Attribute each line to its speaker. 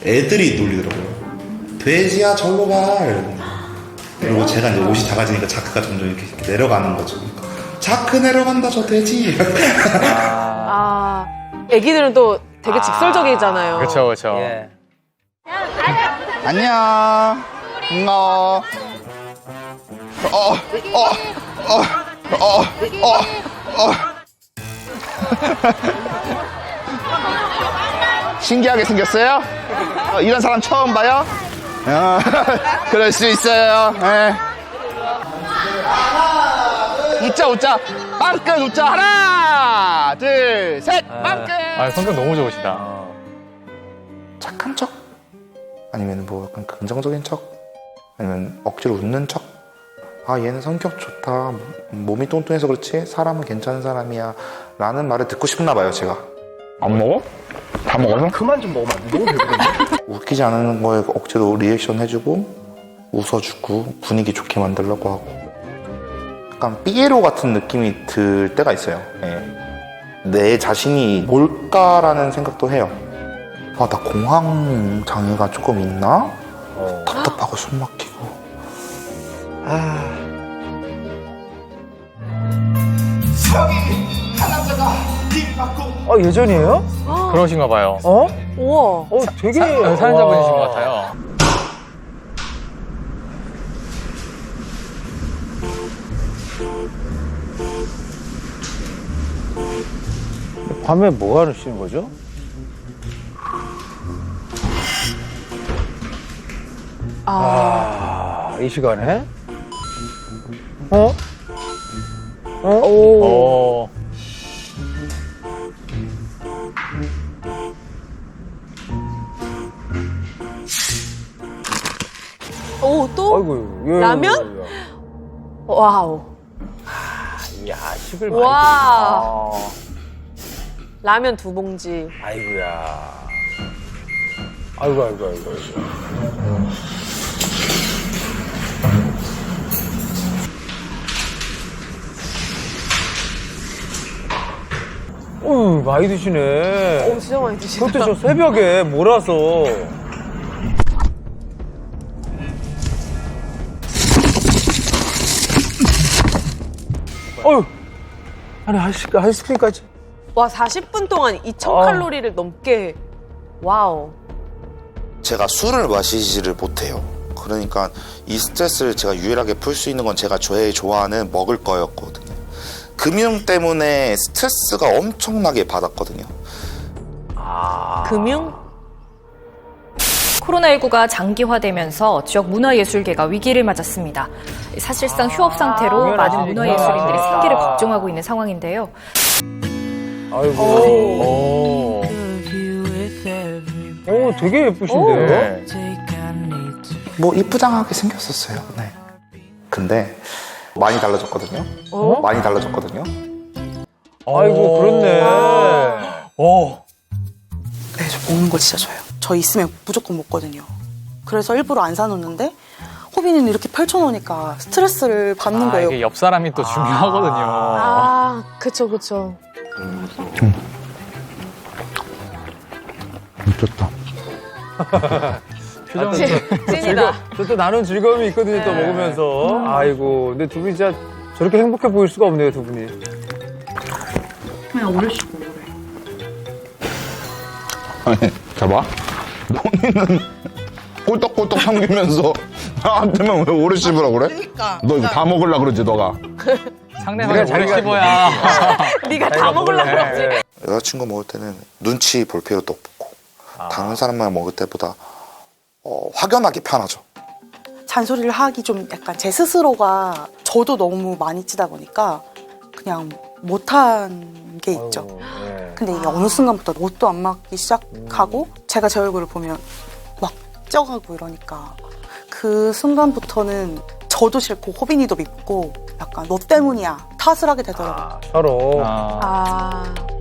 Speaker 1: 애들이 놀리더라고요. 돼지야 절로 가. 그리고 제가 이제 옷이 작아지니까 자크가 점점 이렇게 내려가는 거죠. 그러니까 자크 내려간다 저 돼지.
Speaker 2: 애기들은 또 되게 직설적이잖아요.
Speaker 3: 그렇죠, 그렇죠.
Speaker 4: 예.
Speaker 5: 안녕. 반가워. 신기하게 생겼어요? 이런 사람 처음 봐요? 그럴 수 있어요. 네. 웃자. 빵끝 웃자. 하나, 둘, 셋. 빵끝.
Speaker 3: 아, 성격 너무 좋으시다.
Speaker 1: 착한 척? 아니면 뭐 약간 긍정적인 척? 아니면 억지로 웃는 척? 아 얘는 성격 좋다. 몸이 뚱뚱해서 그렇지 사람은 괜찮은 사람이야 라는 말을 듣고 싶나 봐요 제가.
Speaker 5: 안 먹어? 다 먹어서?
Speaker 4: 그만 좀 먹으면 안 돼? 너무 배부른데?
Speaker 1: 웃기지 않은 거에 억지로 리액션 해주고 웃어주고 분위기 좋게 만들려고 하고 약간 삐에로 같은 느낌이 들 때가 있어요. 예. 내 자신이 뭘까라는 생각도 해요. 아, 나 공황 장애가 조금 있나? 답답하고 숨 막히고.
Speaker 4: 예전이에요?
Speaker 3: 그러신가 봐요.
Speaker 2: 우와.
Speaker 4: 되게
Speaker 3: 사연자분이신 것 같아요.
Speaker 4: 밤에 뭐 하시는 거죠? 이 시간에?
Speaker 3: 오.
Speaker 2: 오, 또?
Speaker 4: 아이고, 예.
Speaker 2: 라면? 와우.
Speaker 4: 야식을 많이
Speaker 2: 와.
Speaker 4: 드시구나.
Speaker 2: 라면 2봉지.
Speaker 4: 아이고야. 아이고. 많이 드시네.
Speaker 2: 오, 진짜 많이 드시다.
Speaker 4: 그것도 저 새벽에 몰아서. 아니, 아이스크림까지.
Speaker 2: 와, 40분 동안 2,000칼로리를 넘게. 와우.
Speaker 1: 제가 술을 마시지를 못해요. 그러니까 이 스트레스를 제가 유일하게 풀 수 있는 건 제가 제일 좋아하는 먹을 거였거든요. 금융 때문에 스트레스가 엄청나게 받았거든요.
Speaker 2: 금융?
Speaker 6: 코로나19가 장기화되면서 지역 문화예술계가 위기를 맞았습니다. 사실상 휴업 상태로 많은 문화예술인들이 생계를 걱정하고 있는 상황인데요.
Speaker 4: 아이고. 되게 예쁘신데요?
Speaker 1: 뭐 이쁘장하게 생겼었어요. 네. 근데 많이 달라졌거든요. 많이 달라졌거든요.
Speaker 4: 아이고, 그렇네.
Speaker 7: 네, 저 먹는 거 진짜 좋아요. 저 있으면 무조건 먹거든요. 그래서 일부러 안 사놓는데 호빈이는 이렇게 펼쳐놓으니까 스트레스를 받는 거예요.
Speaker 3: 이게 옆 사람이 또 중요하거든요.
Speaker 2: 그쵸.
Speaker 5: 미쳤다.
Speaker 3: 표정이
Speaker 2: 찐이다.
Speaker 4: 또 나눈 즐거움이 있거든요, 또 먹으면서. 아이고, 근데 두 분이 진짜 저렇게 행복해 보일 수가 없네요, 두 분이.
Speaker 7: 그냥 오르시고 그래.
Speaker 5: 아니, 잡아. 본인은 꼴떡꼴떡 삼기면서 나한테만 왜 오래 씹으라 그래?
Speaker 7: 그러니까.
Speaker 5: 너 이거 다 먹으려 그러지, 너가.
Speaker 3: 상대방이 오래 씹어야.
Speaker 2: 네가 다 먹으려고 그러지.
Speaker 1: 여자친구 먹을 때는 눈치 볼 필요도 없고 다른 사람만 먹을 때보다 확연하게 편하죠.
Speaker 7: 잔소리를 하기 좀 약간 제 스스로가 저도 너무 많이 찌다 보니까 그냥 못한 게 있죠. 근데 이게 어느 순간부터 옷도 안 맞기 시작하고 제가 제 얼굴을 보면 막 쪄가고 이러니까 그 순간부터는 저도 싫고 호빈이도 밉고 약간 너 때문이야 탓을 하게 되더라고요.
Speaker 4: 서로.
Speaker 2: 아.